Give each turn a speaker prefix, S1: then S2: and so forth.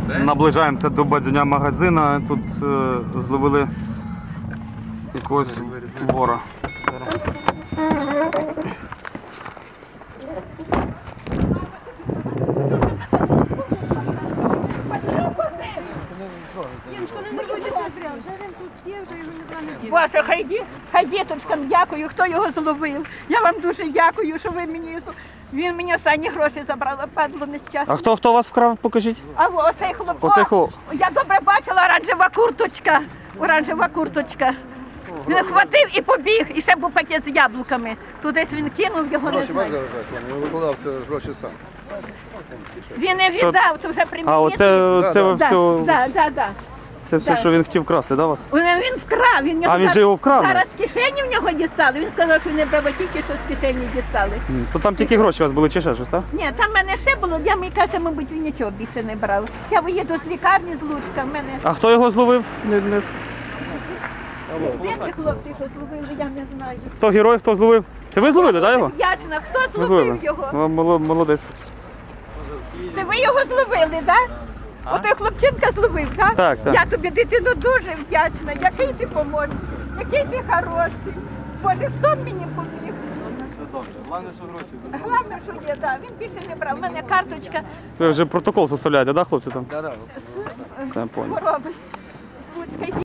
S1: Наближаємося до бадзюня магазина. Тут зловили якогось вора.
S2: Ваша хай діточкам дякую, хто його зловив. Я вам дуже дякую, що ви мені... Він мені останні гроші забрав, падло нещасне.
S1: А хто вас вкрав, покажіть?
S2: А оцей хлоп. Я добре бачила, оранжева курточка. Він хватив і побіг, і ще був пакет з яблуками. Тудись він кинув, його не знаю.
S3: Він викладав це гроші сам.
S2: Він не віддав, то вже примітив.
S1: А оце ви все...
S2: Так.
S1: Це все, що він хотів красти, да, вас?
S2: Він вкрав.
S1: Він же його вкрав?
S2: Зараз з кишені в нього дістали. Він сказав, що не брав, тільки що з кишені дістали.
S1: То там тільки гроші у вас були чи ще щось, так?
S2: Ні, там в мене ще було, мені каже, мабуть, він нічого більше не брав. Я виїду з лікарні з Луцька, в мене...
S1: А хто його зловив?
S2: Де ці хлопці, що зловили, я не знаю.
S1: Хто герой, хто зловив? Це ви зловили, так, його?
S2: Вдячна, хто зловив його?
S1: Молодець.
S2: Це ви його зловили, так? Отой хлопчинка зловив, так?
S1: Так.
S2: Я тобі, дитино, дуже вдячна. Який ти поможеш, який ти хороший. Боже, хто мені поміг?
S3: Все добре. Головне, що гроші.
S2: Головне, що є, так. Він більше не брав. У мене карточка
S1: Ви вже протокол составляєте, так, хлопці там?
S3: Так.
S2: з хвороби. З Луцька.